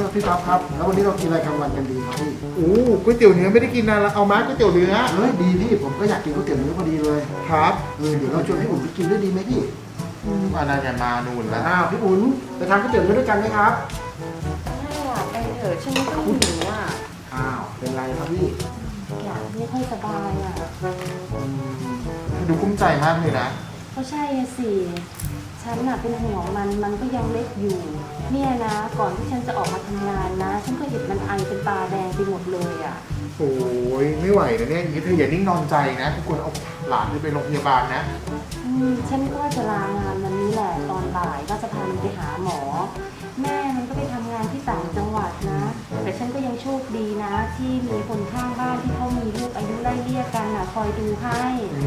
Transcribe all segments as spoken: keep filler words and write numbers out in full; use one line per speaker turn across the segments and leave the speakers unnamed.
ครับพี่ป๊อปครับแล้ววันนี้เรากินอะไรกลางวันกันดีครับพี่
โอ้ก๋วยเตี๋ยวเนื้อไม่ได้กินนานแล้วเอามาก๋วยเตี๋ยวเนื้อ
เฮ้ยดีพี่ผมก็อยากกินก๋วยเตี๋ยวเนื้อพอดีเลย
ครับ
เออเดี๋ยวเราชวนพี่อุ่นไปกินด้วยดีไหมพี่
อันนั้นอย่ามานู่นแล้ว
อ้าวพี่อุ่นไปทานก๋วยเตี๋ยวเนื้อด้วยกันไหมครับ
ไม่อยากไปเถอะฉันไม่ค่อยหิวอ่ะ
อ้าวเป็นไรครับพี่
อยากไม่ค่อยสบายอ่ะ
ดูกุ้มใจมากเลยนะ
ก็ใช่สิฉันน่ะเป็นห่วงมันมันก็ยังเล็กอยู่เนี่ยนะก่อนที่ฉันจะออกมาทำงานนะฉันก็เห็นมันไอเป็นตาแดงไปหมดเลยอ่ะ
โอ้ยไม่ไหวนะเนี่ยอย่างนี้เธออย่านิ่งนอนใจนะทุกคนเอาหลานไปโรงพยาบาลนะ
อืมฉันก็จะลางานวันนี้แหละตอนบ่ายก็จะพามันไปหาหมอแม่มันก็ไปทำงานที่ต่างจังหวัดนะแต่ฉันก็ยังโชคดีนะที่มีคนข้างบ้านที่เขามีลูกอายุไล่เลี่ยกันน่ะคอยดูให้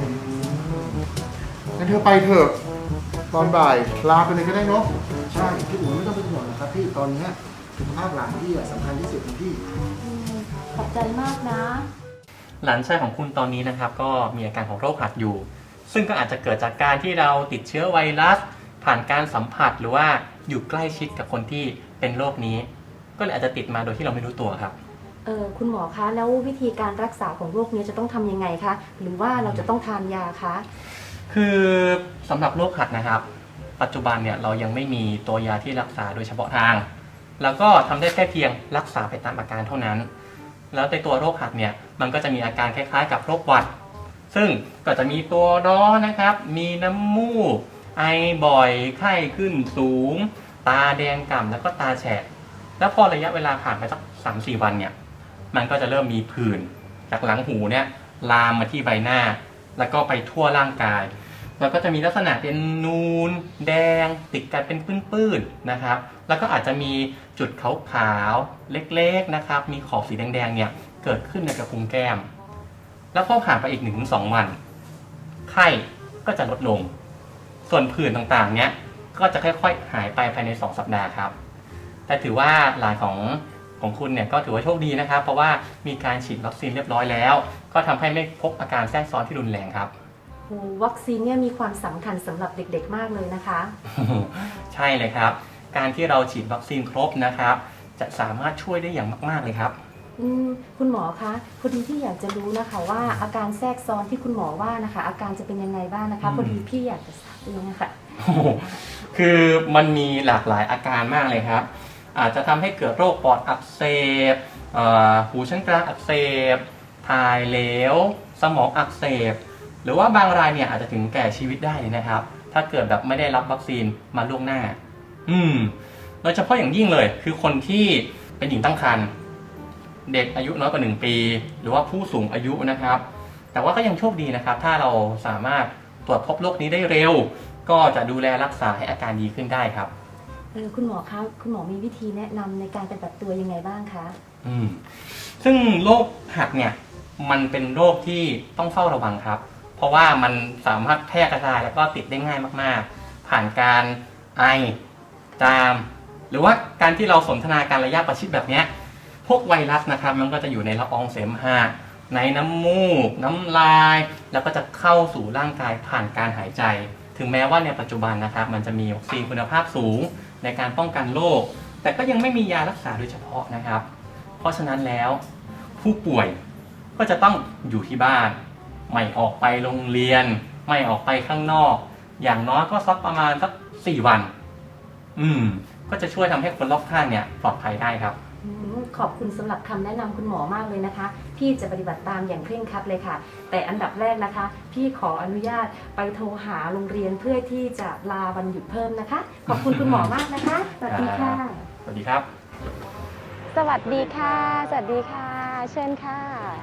งั้นเธอไปเถอะตอนบ่ายลาไปเลยก็ได้เนาะ
ใช่พี่อุ่นไม่ต้องเป็นห่วงนะครับพี่ตอนนี้สุขภาพหลานพี่สำคัญที่สุดนะพี่
ขอบใจมากนะ
หลานชายของคุณตอนนี้นะครับก็มีอาการของโรคหัดอยู่ซึ่งก็อาจจะเกิดจากการที่เราติดเชื้อไวรัสผ่านการสัมผัสหรือว่าอยู่ใกล้ชิดกับคนที่เป็นโรคนี้ก็เลยอาจจะติดมาโดยที่เราไม่รู้ตัวครับ
เออคุณหมอคะแล้ววิธีการรักษาของโรคนี้จะต้องทำยังไงคะหรือว่าเราจะต้องทานยาคะ
คือสำหรับโรคหัดนะครับปัจจุบันเนี่ยเรายังไม่มีตัวยาที่รักษาโดยเฉพาะทางแล้วก็ทำได้แค่เพียงรักษาไปตามอาการเท่านั้นแล้วในตัวโรคหัดเนี่ยมันก็จะมีอาการคล้ายๆกับโรคหวัดซึ่งก็จะมีตัวร้อนนะครับมีน้ำมูกไอบ่อยไข้ขึ้นสูงตาแดงก่ำแล้วก็ตาแฉะแล้วพอระยะเวลาผ่านไปสัก สามถึงสี่ วันเนี่ยมันก็จะเริ่มมีผื่นจากหลังหูเนี่ยลามมาที่ใบหน้าแล้วก็ไปทั่วร่างกายแล้วก็จะมีลักษณะเป็นนูนแดงติดกันเป็นปื้นๆนะครับแล้วก็อาจจะมีจุดขาวๆเล็กๆนะครับมีขอบสีแดงๆเนี่ยเกิดขึ้นในกระพุ้งแก้มแล้วพอผ่านไปอีก หนึ่งถึงสอง วันไข้ก็จะลดลงส่วนผื่นต่างๆเนี่ยก็จะค่อยๆหายไปภายในสองสัปดาห์ครับแต่ถือว่าหลานของของคุณเนี่ยก็ถือว่าโชคดีนะครับเพราะว่ามีการฉีดวัคซีนเรียบร้อยแล้วก็ทำให้ไม่พบอาการแทรกซ้อนที่รุนแรงครับ
โอ้วัคซีนเนี่ยมีความสำคัญสำหรับเด็กๆมากเลยนะคะ
ใช่เลยครับการที่เราฉีดวัคซีนครบนะครับจะสามารถช่วยได้อย่างมากๆเลยครับ
อืมคุณหมอคะพอดีที่อยากจะรู้นะคะว่าอาการแทรกซ้อนที่คุณหมอว่านะคะอาการจะเป็นยังไงบ้างนะคะพอดีพี่อยากจะทราบเองนะคะ
คือมันมีหลากหลายอาการมากเลยครับอาจจะทำให้เกิดโรคปอดอักเสบหูชั้นกลางอักเสบถ่ายเหลวสมองอักเสบหรือว่าบางรายเนี่ยอาจจะถึงแก่ชีวิตได้เลยนะครับถ้าเกิดแบบไม่ได้รับวัคซีนมาล่วงหน้าอืมโดยเฉพาะอย่างยิ่งเลยคือคนที่เป็นหญิงตั้งครรภ์เด็กอายุน้อยกว่าหนึ่งปีหรือว่าผู้สูงอายุนะครับแต่ว่าก็ยังโชคดีนะครับถ้าเราสามารถตรวจพบโรคนี้ได้เร็วก็จะดูแลรักษาให้อาการดีขึ้นได้ครับ
เออคุณหมอคะคุณหมอมีวิธีแนะนำในการปฏิบัติตัวยังไงบ้างคะ
อืมซึ่งโรคหัดเนี่ยมันเป็นโรคที่ต้องเฝ้าระวังครับเพราะว่ามันสามารถแพร่กระจายแล้วก็ติดได้ง่ายมากๆผ่านการไอจามหรือว่าการที่เราสนทนาการระยะประชิดแบบนี้พวกไวรัสนะครับมันก็จะอยู่ในละอองเสมหะในน้ำมูกน้ำลายแล้วก็จะเข้าสู่ร่างกายผ่านการหายใจถึงแม้ว่าในปัจจุบันนะครับมันจะมีวัคซีนคุณภาพสูงในการป้องกันโรคแต่ก็ยังไม่มียารักษาโดยเฉพาะนะครับเพราะฉะนั้นแล้วผู้ป่วยก็จะต้องอยู่ที่บ้านไม่ออกไปโรงเรียนไม่ออกไปข้างนอกอย่างน้อยก็สักประมาณสักสี่วันอืมก็จะช่วยทำให้คนรอบข้างเนี่ยปลอดภัยได้ครับ
ขอบคุณสำหรับคำแนะนำคุณหมอมากเลยนะคะพี่จะปฏิบัติตามอย่างเคร่งครัดเลยค่ะแต่อันดับแรกนะคะพี่ขออนุญาตไปโทรหาโรงเรียนเพื่อที่จะลาวันหยุดเพิ่มนะคะขอบคุณคุณหมอมากนะคะสวัสดีค่ะ
สวัสดีครับ
สวัสดีค่ะสวัสดีค่ะเชิญค่ะ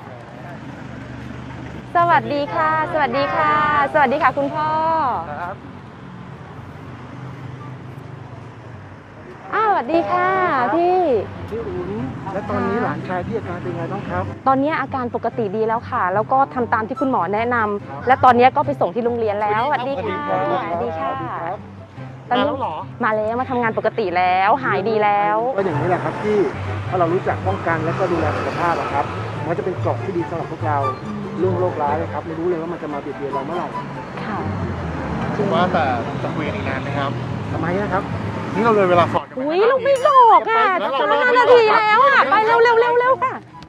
สวัสดีค่ะสวัสดีค่ะสวัสดีค่ะคุณพ่อครับอ้าวสวัสดีค่ะพี่
พี่อุ่นและตอนนี้หลานชายพี่อาการเป็นไงบ้างครับ
ตอนนี้อาการปกติดีแล้วค่ะแล้วก็ทำตามที่คุณหมอแนะนำและตอนนี้ก็ไปส่งที่โรงเรียนแล้วสวัสดีค่ะสวัสดีค่ะตอนนี้มาแล้วมาทำงานปกติแล้วหายดีแล้ว
ก็อย่างนี้แหละครับที่ถ้าเรารู้จักป้องกันและก็ดูแลสุขภาพครับมันจะเป็นเกราะที่ดีสำหรับพวกเราเรื่องโรคร้ายเลยครับไม่รู้เลยว่ามันจะมาเบียดเบียนเราเมื่อไหร่
ค่ะ
ว่าแต่จะคุยกันอีกนานไหมครับ
ทำไมนะครับ
นี่เราเลยเวลาสอนกันไป
อุ้ยเราไม่หลอกอ่ะ
แล้ว
จะ
เรา
ห้านาทีแล้วอ่ะ ไปเร็วเร็วเร็วเร็วค่ะ